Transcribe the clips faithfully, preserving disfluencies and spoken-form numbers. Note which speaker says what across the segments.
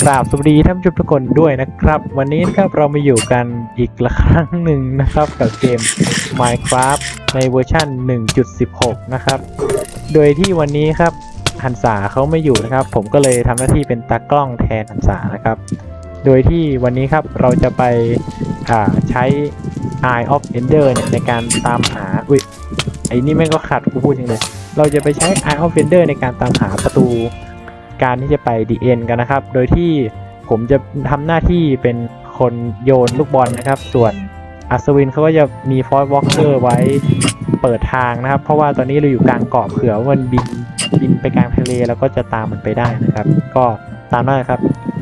Speaker 1: ราบสวัสดีท่านผู้ชมทุกคนด้วยนะครับวันนี้นะครับเรามาอยู่กันอีกครั้งหนึ่งนะครับกับเกม Minecraft ในเวอร์ชัน หนึ่งจุดสิบหก นะครับโดยที่วันนี้ครับหันษาเขาไม่อยู่นะครับผมก็เลยทำหน้าที่เป็นตากล้องแทนหันษานะครับโดยที่วันนี้ครับเราจะไปใช้ Eye of Ender เนี่ยในการตามหาอุ้ยไอ้นี่แม่งก็ขัดกูพูดจริงเลยเราจะไปใช้ Eye of Ender ในการตามหาประตูการที่จะไป The End กันนะครับโดยที่ผมจะทำหน้าที่เป็นคนโยนลูกบอลนะครับส่วนอัศวินเขาก็จะมีฟอสวอล์กเกอร์ไว้เปิดทางนะครับเพราะว่าตอนนี้เราอยู่กลางเกาะเผื่อมันบินบินไปกลางทะเลแล้วก็จะตามมันไปได้นะครับก็ตามนั้นครับ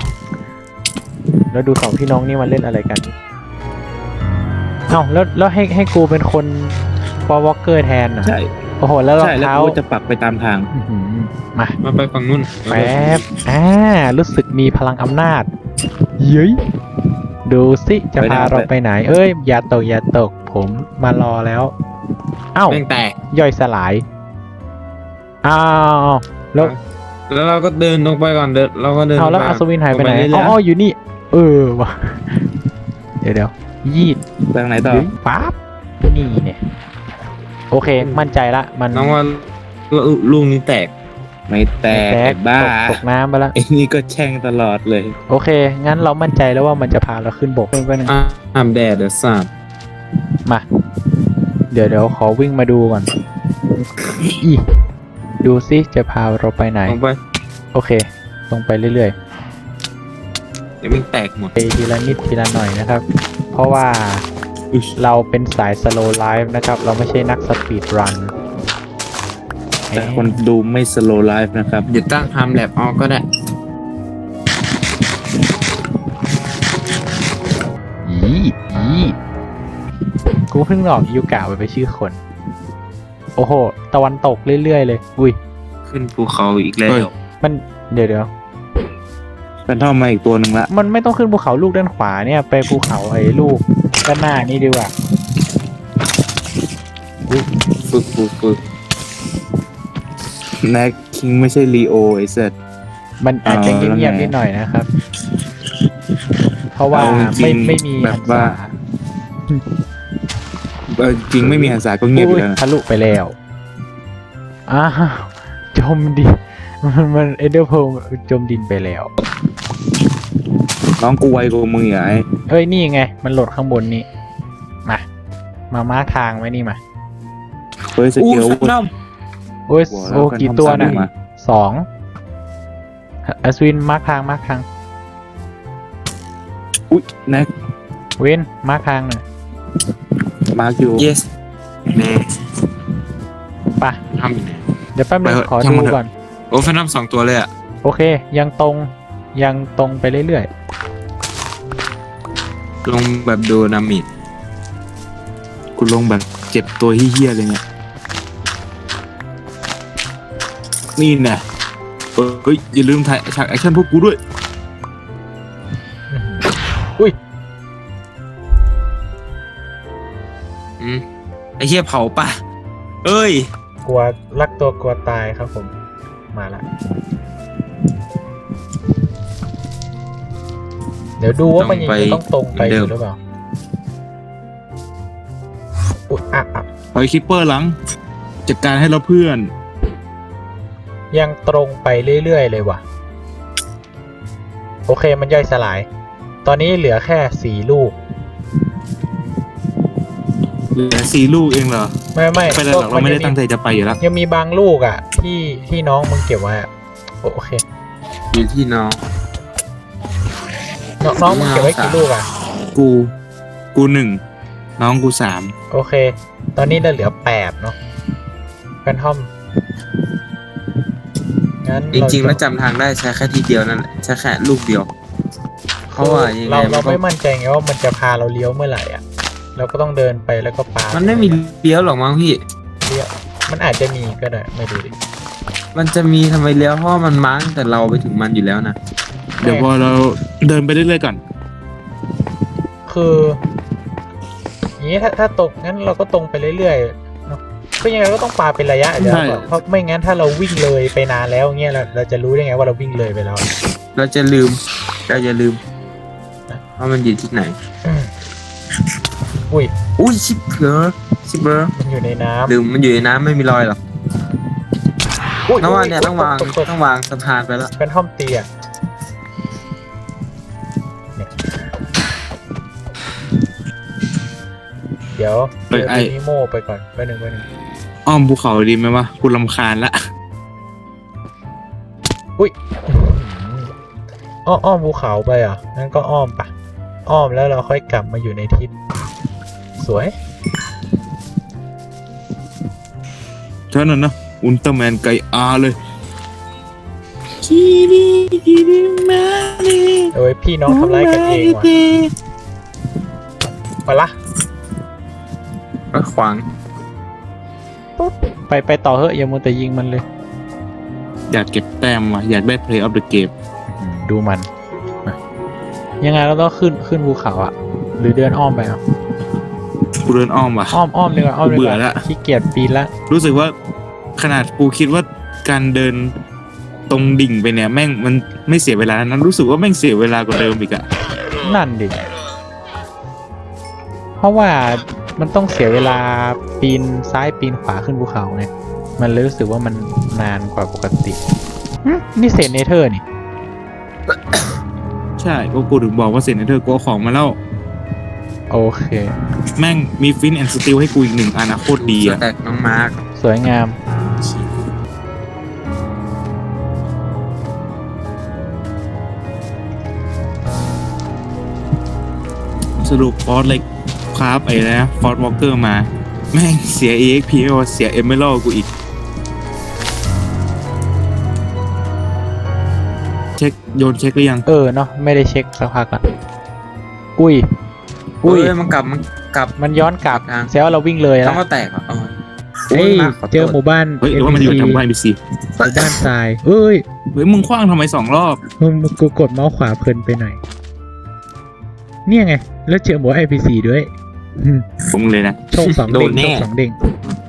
Speaker 1: แล้วดูสองพี่น้องนี่มันเล่นอะไรกันเอ้าแล้วแล้วให้ให้กูเป็นคนฟอสวอล์กเกอร์แทนอ่ะใช่โอ้โหแล้วรองเท้า
Speaker 2: จะปักไปตามทาง
Speaker 1: มา
Speaker 2: มาไปฝั่งนู้น
Speaker 1: แป๊บอ่ารู้สึกมีพลังอำนาจเย้ยดูสิจะพาเราไปไหนเอ้ยอย่าตกอย่าตกผมมารอแล้วเอ้า
Speaker 2: แตก
Speaker 1: ย่อยสลายอ้าวแล้ว
Speaker 2: แล้วเราก็เดินลงไปก่อนเดินเราก็เดิน
Speaker 1: เอาแล้วอัศวินหายไปไหนอ๋ออยู่นี่เออวะเดี๋ยวเดี๋ยวยีด
Speaker 2: ไปทางไหนต่อ
Speaker 1: ปั๊บนี่เนี่ยโอเคมั่นใจละมัน
Speaker 2: น้องว่าลูกนี้แตกไม่แตกบ้า
Speaker 1: ตกน้ำไปแล้ว
Speaker 2: ไอ้นี่ก็แช่งตลอดเลย
Speaker 1: โอเคงั้นเรามั่นใจแล้วว่ามันจะพาเราขึ้นบกไปนึง
Speaker 2: ห้ามแดดเดี๋ยวสาด
Speaker 1: มาเดี๋ยวเดี๋ยวขอวิ่งมาดูก่อนอีดูซิจะพาเราไปไหน
Speaker 2: ลงไป
Speaker 1: โอเคลงไปเรื่อย
Speaker 2: ๆเดี๋ยวมันแตกหมด
Speaker 1: ไปทีละนิดทีละหน่อยนะครับเพราะว่าเราเป็นสายสโลว์ไลฟ์นะครับเราไม่ใช่นักสปีดรัน
Speaker 2: แต่คนดูไม่สโลว์ไลฟ์นะครับหยุดตั้งไทม์แลปเอาก็ได้
Speaker 1: ยียีกูเพิ่งหลอกยูกะไปไปชื่อคนโอ้โหตะวันตกเรื่อยๆเลยอุ้ย
Speaker 2: ขึ้นภูเขาอีกแล้ว
Speaker 1: มันเดี๋ยวเดี๋ยว
Speaker 2: เป็นท่อมาอีกตัวหนึ่งละ
Speaker 1: มันไม่ต้องขึ้นภูเขาลูกด้านขวาเนี่ยไปภูเขาไอ้ลูกด้านหน้านี่ดีกว่า
Speaker 2: ฝึกฝึกฝึกแน็กคิงไม่ใช่ลีโอไอเซต
Speaker 1: มันอาจจะเงียบๆนิดหน่อยนะครับเพราะว่าไม่ไม่มี
Speaker 2: แบบว่าจริงไม่มีหันษาก็เงียบเลย
Speaker 1: ทะลุไปแล้วอ้าวจมดินมันมันเอเดอร์โพจมดินไปแล้ว
Speaker 2: น้องกูไวกว่ามึงใหญ่
Speaker 1: เฮ้ยนี่ไงมันโหลดข้างบนนี้มามามาร์คทางไว้นี่มา
Speaker 2: เฮ้ยสเกล
Speaker 1: โอ้ยโอ้กี่ตัวนะสองอัศวินมาร์คทางมาร์คทาง
Speaker 2: อุ้ยแน็ก
Speaker 1: เว้นมาร์คทางหน่อย
Speaker 2: มาร์คอยู่ yes แน่
Speaker 1: ป่ะ
Speaker 2: ทำยังไง
Speaker 1: เดี๋ยวแป๊บนึงขอดูก่อน
Speaker 2: โอ้แฟนทำสองตัวเลยอ่ะ
Speaker 1: โอเคยังตรงยังตรงไปเรื่อย
Speaker 2: ๆลงแบบโดนามิดกูลงแบบเจ็บตัวเฮี้ยๆเลยเนี่ยนี่แน่เฮ้ยอย่าลืมถ่ายฉากแอคชั่นพวกกูด้วย
Speaker 1: อุ้ย
Speaker 2: อืมไอ้เหี้ยเผาป่ะเอ้ย
Speaker 1: กลัวรักตัวกลัวตายครับผมมาละเดี๋ยวดูว่ามันยังต้องตรงไปหรือเปล่าอุ๊ยอ่ะอ่ะ
Speaker 2: ปล่อยคิปเปอร์หลังจัดการให้เราเพื่อน
Speaker 1: ยังตรงไปเรื่อยๆเลยว่ะโอเคมันย่อยสลายตอนนี้เหลือแค่สี่ลูก
Speaker 2: เหลือสี่ลูกเองเหรอ
Speaker 1: ไม่ไม่
Speaker 2: ไปเลยหรอกเราไม่ได้ตั้งใจจะไปอยู่แล้ว
Speaker 1: ยังมีบางลูกอ่ะที่ที่น้องมึงเก็บไว้โอเค
Speaker 2: อยู่ที่น้อง
Speaker 1: น้องมึงเก็บไว้กี่ลูกอ่ะ
Speaker 2: กูกูหนึ่งน้องกูสาม
Speaker 1: โอเคตอนนี้เราเหลือแปดเนาะแฟนทอม
Speaker 2: จริงๆแล้วจำทางได้ใช้แค่ทีเดียวนั่นแหละใช้แค่ลูกเดียวเพราะว่า
Speaker 1: เราเราไม่มั่นใจไงว่ามันจะพาเราเลี้ยวเมื่อไหร่อ่ะเราก็ต้องเดินไปแล้วก็ปา
Speaker 2: มันไม่มีเลี้ยวหรอกมั้งพี่
Speaker 1: เลี้ยวมันอาจจะมีก็ได้ไม่ดูดิ
Speaker 2: มันจะมีทำไมเลี้ยวเพราะมันมั้งแต่เราไปถึงมันอยู่แล้วนะเดี๋ยวพอเราเดินไปเรื่อยๆก่อน
Speaker 1: คืออย่างนี้ถ้าถ้าตกงั้นเราก็ตรงไปเรื่อยๆเนาะก็ยังไงก็ต้องปาเป็นระยะเดี๋ยวเพราะไม่งั้นถ้าเราวิ่งเลยไปนานแล้วเงี้ยเราเราจะรู้ได้ไงว่าเราวิ่งเลยไปแล้ว
Speaker 2: เราจะลืมก็อย่าลืมว่ามันอยู่ที่ไหน
Speaker 1: อุ้ย
Speaker 2: อุ้ยชิบเบอร์ชิบเบอร์
Speaker 1: มันอยู่ในน้ำ
Speaker 2: ลืมมันอยู่ในน้ำไม่มีรอยหรอก
Speaker 1: อุ้ย
Speaker 2: น้ำว่าเนี่ยต้องวาง
Speaker 1: ตกตก
Speaker 2: ต้องวางสะพานไปแล้ว
Speaker 1: เป็นห้องเตียเนี่ยเดี๋ยว
Speaker 2: เฮ้
Speaker 1: เดี๋
Speaker 2: ย
Speaker 1: ยว
Speaker 2: ไอ้
Speaker 1: นิโมไปก่อนไปหนึ่งไปหนึ่ง
Speaker 2: อ้อมภูเขาดีไหมวะกูรำคาญละ
Speaker 1: อุ้ยอ้อมอ้อมภูเขาไปอ่ะงั้นก็อ้อมปะอ้อมแล้วเราค่อยกลับมาอยู่ในทิศสวย
Speaker 2: เท่านั้นนะอุลตร้าแมนไกอาเลยคีรีคีรีมาลี
Speaker 1: โดยพี่น้องทำร้ายกันเองว่ะไปละ
Speaker 2: ก็ขวาง
Speaker 1: ไปไปต่อเหอะอย่ามัวแต่ยิงมันเลย
Speaker 2: อยากเก็บแต้มว่ะอยากได้ play of the game
Speaker 1: อืมดูมันมายังไงเราต้องขึ้นขึ้นภูเขาอ่ะ หรือเดินอ้อมไปอ่ะ
Speaker 2: กูเดินอ้อมว่ะ
Speaker 1: อ้อมอ้อมดีกว่าอ้อมดีก
Speaker 2: เบื่อ
Speaker 1: ว่า
Speaker 2: ละ
Speaker 1: ขี้เกียจปีนละ
Speaker 2: รู้สึกว่าขนาดกูคิดว่าการเดินตรงดิ่งไปเนี่ยแม่งมันไม่เสียเวลานั้นรู้สึกว่าแม่งเสียเวลากว่าเดิมอีกอะ
Speaker 1: นั่นดิเพราะว่ามันต้องเสียเวลาปีนซ้ายปีนขวาขึ้นภูเขาไงมันเลยรู้สึกว่ามันนานกว่าปกติหึนี่เศษเนเธอร์นี่
Speaker 2: ใช่ก็กูถึงบอกว่าเซนเตอร์กูเอาของมาแล้ว
Speaker 1: โอเค
Speaker 2: แม่งมีฟินแอนด์สติลให้กูอีกหนึ่งอันนะโคตรดีอะแต่น้องมาร์ค
Speaker 1: สวยงาม
Speaker 2: สรุปฟอร์สเลยครับไอ้นะฟอร์สวอลเกอร์มาแม่งเสีย เอ็กซ์ พี ไม่ว่าเสียเอเมอรัลกูอีกเช็คโยนเช็คหรือยัง
Speaker 1: เออเนาะไม่ได้เช็คสักพักละอุ้ยอุ้ย
Speaker 2: มันกลับมันกลับ
Speaker 1: มันย้อนกลับ
Speaker 2: ทาง
Speaker 1: แซวาเราวิ่งเลย
Speaker 2: ต้
Speaker 1: แล้
Speaker 2: อ
Speaker 1: ว
Speaker 2: งมาแตกอ่ะ
Speaker 1: เฮ้ยเจอหมู่บ้าน
Speaker 2: เฮ้ยหรือว่ามันอยู่ทางบ้านบีซี
Speaker 1: หมู่บ้านทรายเอ้ย
Speaker 2: เฮ้ยมึงคว้างทำไมสองรอบ
Speaker 1: มึงกูกดเมาส์ขวาเพลินไปหน่อยเนี่ยไงแล้วเจอหมู่ไอพีซีด้วยอืม
Speaker 2: ผมเลยนะ
Speaker 1: โชคสอง
Speaker 2: โด
Speaker 1: เด้ง
Speaker 2: นแน่
Speaker 1: โชคสองเด้ง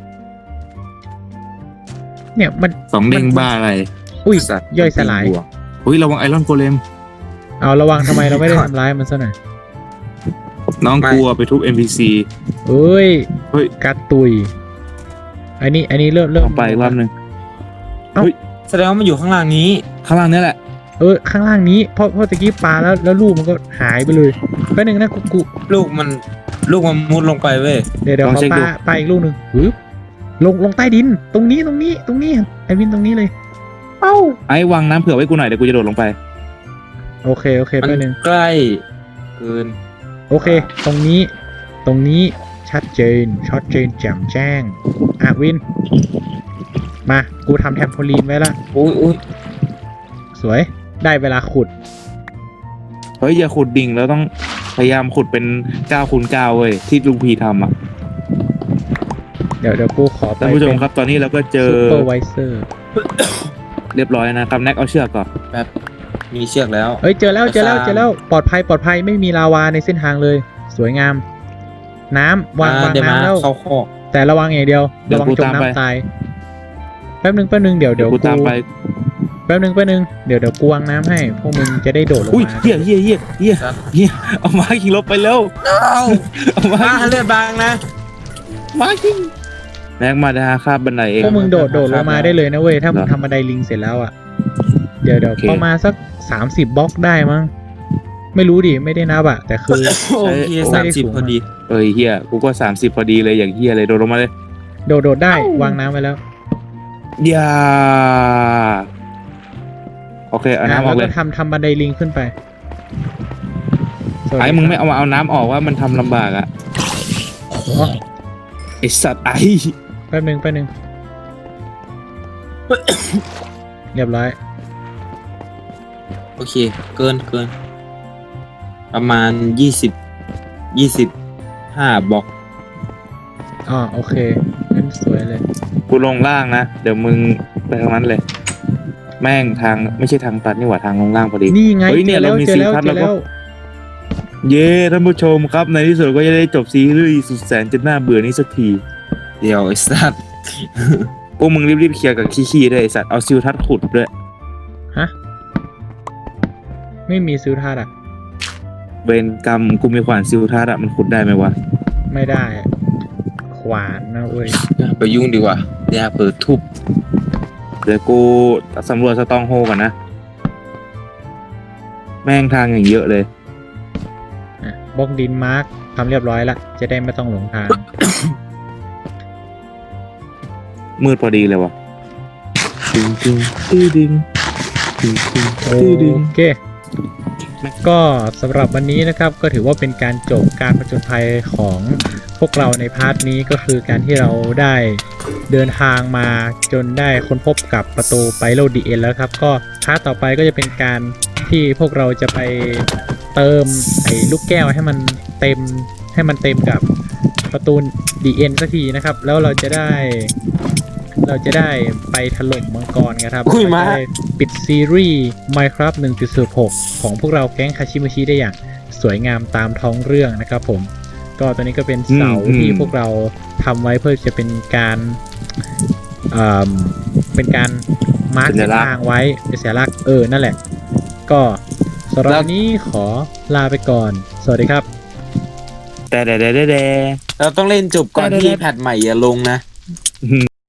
Speaker 1: เนี่ยมัน
Speaker 2: สองเด้งบ้าอะไร
Speaker 1: อุ้ยย่อยสลาย
Speaker 2: เฮ้ยระวังไอรอนโกเลม
Speaker 1: เอาระวังทำไมเราไม่ได้ทำร้ายมันซะหน่อย
Speaker 2: น้องกลัวไปทุบ เอ็ม พี ซี
Speaker 1: เอ้ย
Speaker 2: เฮ้ย
Speaker 1: กัดตุยอันนี้อันนี้เริ่มเริ่ม
Speaker 2: เอาไปอีกรอบหนึง
Speaker 1: เอ้า
Speaker 2: เฮ้ยแสดงว่ามันอยู่ข้างล่างนี้ ข้างล่างนี่แหละ
Speaker 1: เออข้างล่างนี้เพราะเพราะตะกี้ปลาแล้วแล้วลูกมันก็หายไปเลยแป๊บนึงนะกูกู
Speaker 2: ลูกมันลูกมันมุดลงไปเว้ย
Speaker 1: เดี๋ยวเดี๋ยว
Speaker 2: ลอง
Speaker 1: ขอ
Speaker 2: เช็ค
Speaker 1: ป
Speaker 2: ดู
Speaker 1: ลาปลาอีกลูกหนึ่งฮึบลงลงใต้ดินตรงนี้ตรงนี้ตรงนี้ไอวินตรงนี้เลย เอ้า
Speaker 2: ไอ้วางน้ำเผื่อไว้กูหน่อยเดี๋ยวกูจะโดดลงไป
Speaker 1: โอเคโอเค
Speaker 2: มัน
Speaker 1: แป๊บนึง
Speaker 2: ใกล้เกิน
Speaker 1: โอเค ตรงนี้ตรงนี้ชัดเจนชัดเจนแจ่มแจ้งอ่ะวิน มากูทำแทมโพลีนไว้ละ
Speaker 2: อุ้ยอุ้ย
Speaker 1: สวยได้เวลาขุด
Speaker 2: เฮ้ยอย่าขุดดิ่งแล้วต้องพยายามขุดเป็นเก้าคูณเก้าเว้ยที่ลุงพีทำอ่ะ
Speaker 1: เดี๋ยวเดี๋ยวกูขอไป
Speaker 2: ท่านผู้ชมครับตอนนี้เราก็เจอ
Speaker 1: ซูเปอร์ไวเซอร์
Speaker 2: เรียบร้อยนะครับแน็กเอาเชือกก่อนแบบมีเชือกแล้ว
Speaker 1: เอ้ยเจอแล้วเจอแล้วเจอแล้วปลอดภัยปลอดภัยไม่มีลาวาในเส้นทางเลย สวยงาม น้ำวางวางน้ำแล้ว
Speaker 2: เข้าคอก
Speaker 1: แต่ระวังอย่างเดียว
Speaker 2: เดี๋ย
Speaker 1: ระ
Speaker 2: ว
Speaker 1: วัง
Speaker 2: กู
Speaker 1: จม
Speaker 2: ตามไป
Speaker 1: น้ำตายแป๊บนึงแป๊บนึงเดี๋ยว
Speaker 2: เดี๋
Speaker 1: เดี๋
Speaker 2: ย
Speaker 1: ยว ว
Speaker 2: กูตามไป
Speaker 1: แป๊บนึงแป๊บนึงเดี๋ยวเดี๋ยวกูวางน้ำให้พวกมึงจะได้โดดลง
Speaker 2: อุ้ย
Speaker 1: มา
Speaker 2: เฮียเฮียเฮียเฮียเฮียเอามาขี่รถไปเร็วเอามาเลือดบางนะมาขี่แม็กมาดาคาบบันไดเอง
Speaker 1: พวกมึงโดดโดดลงมาได้เลยนะเว้ยถ้ามึง
Speaker 2: เหรอ
Speaker 1: ทำบันไดลิงเสร็จแล้วอ่ะเดี๋ยวเดี๋ยว
Speaker 2: โอเค
Speaker 1: ประมาณสักสามสิบบล็อกได้มั้งไม่รู้ดิไม่ได้นับอะแต่คือ
Speaker 2: โอเคสามสิบพอดีเอ้ยเฮียกูก็สามสิบพอดีเลยอย่างเฮียเลยโดดลงมาเลย
Speaker 1: โดดโดดได้วางน้ำไว้แล้ว
Speaker 2: อย่าโอเคเอาน้ำออก
Speaker 1: แล้ว
Speaker 2: เล
Speaker 1: ก็
Speaker 2: ย
Speaker 1: ทำทำบันไดลิงขึ้นไปสวัสดี
Speaker 2: ไอ้มึงไม่เอามาเอาน้ำออกว่ามันทำลำบากอะ
Speaker 1: อ๋อ
Speaker 2: ไอสัตว์ไอ
Speaker 1: แป๊บนึงแป๊บนึง เรียบร้อย
Speaker 2: โอเคเกินเกินประมาณยี่สิบยี่สิบห้าบล็อก
Speaker 1: อ๋อโอเคงั้นสวยเลย
Speaker 2: กูลงล่างนะเดี๋ยวมึงไปทางนั้นเลย แม่งทางไม่ใช่ทางตัดนี่หว่าทางลงล่างพอดี
Speaker 1: นี่ไง
Speaker 2: เฮ้ย
Speaker 1: เจ
Speaker 2: เนี่
Speaker 1: อย แล้ว
Speaker 2: เรามี
Speaker 1: เจอแล้ว
Speaker 2: ซีทัศน์
Speaker 1: เจอ
Speaker 2: แล้วก็
Speaker 1: แล้ว
Speaker 2: เย้ท่านผู้ชมครับในที่สุดก็จะได้จบซีรีส์สุดแสนจะน่าเบื่อนี้สักทีเดี๋ยวไอ้สัตว์ พวกมึงรีบๆเคลียร์กับขี้ๆด้วยไอ้สัตว์เอาซิลทัศน์ขุดด้วย
Speaker 1: ฮะไม่มีซิลทัสอ่ะ
Speaker 2: เวรกรรมกูมีขวานซิลทัสอะมันขุดได้ไหมวะ
Speaker 1: ไม่ได้อะขวานนะเว้ย
Speaker 3: อย่าไปยุ่งดีกว่าอย่าเปิดทุบ
Speaker 2: เดี๋ยวกูสำรวจสตองโฮก่อนนะ แม่งทางอย่างเยอะเลย
Speaker 1: อ่ะบล็อกดินมาร์กทำเรียบร้อยละจะได้ไม่ต้องหลงทาง
Speaker 2: มืดพอดีเลยวะดึงดึงตื้อดึงดึงดึง
Speaker 1: โอ
Speaker 2: ตื้อดึง
Speaker 1: เค ก็สำหรับวันนี้นะครับก็ถือว่าเป็นการจบการผจญภัยของพวกเราในพาร์ทนี้ก็คือการที่เราได้เดินทางมาจนได้ค้นพบกับประตูไปโลดีเอ็นแล้วครับก็พาร์ทต่อไปก็จะเป็นการที่พวกเราจะไปเติมไอ้ลูกแก้วให้มันเต็มให้มันเต็มกับประตูดีเอ็นสักทีนะครับแล้วเราจะได้ เราจะได้ไปถล่มมังกรกันครับ
Speaker 3: อุ้ยมา
Speaker 1: เรจะได้ปิดซีรีส์ Minecraft หนึ่งจุดศูนย์หก ของพวกเราแก๊งคาชิมุชิได้อย่างสวยงามตามท้องเรื่องนะครับผม ก็ตัวนี้ก็เป็นเสาที่พวกเราทำไว้เพื่อจะเป็นการเอ่อเป็นการมาร์กเส้นทางไว้เป็นสัญลักษณ์เออ นั่นแหละ ก็สำหรับวันนี้ขอลาไปก่อน สวัสดีครับ
Speaker 2: แต่แต่แต่แต่
Speaker 3: เราต้องเล่นจบก่อนที่แพทใหม่อย่าลงนะ
Speaker 2: อืม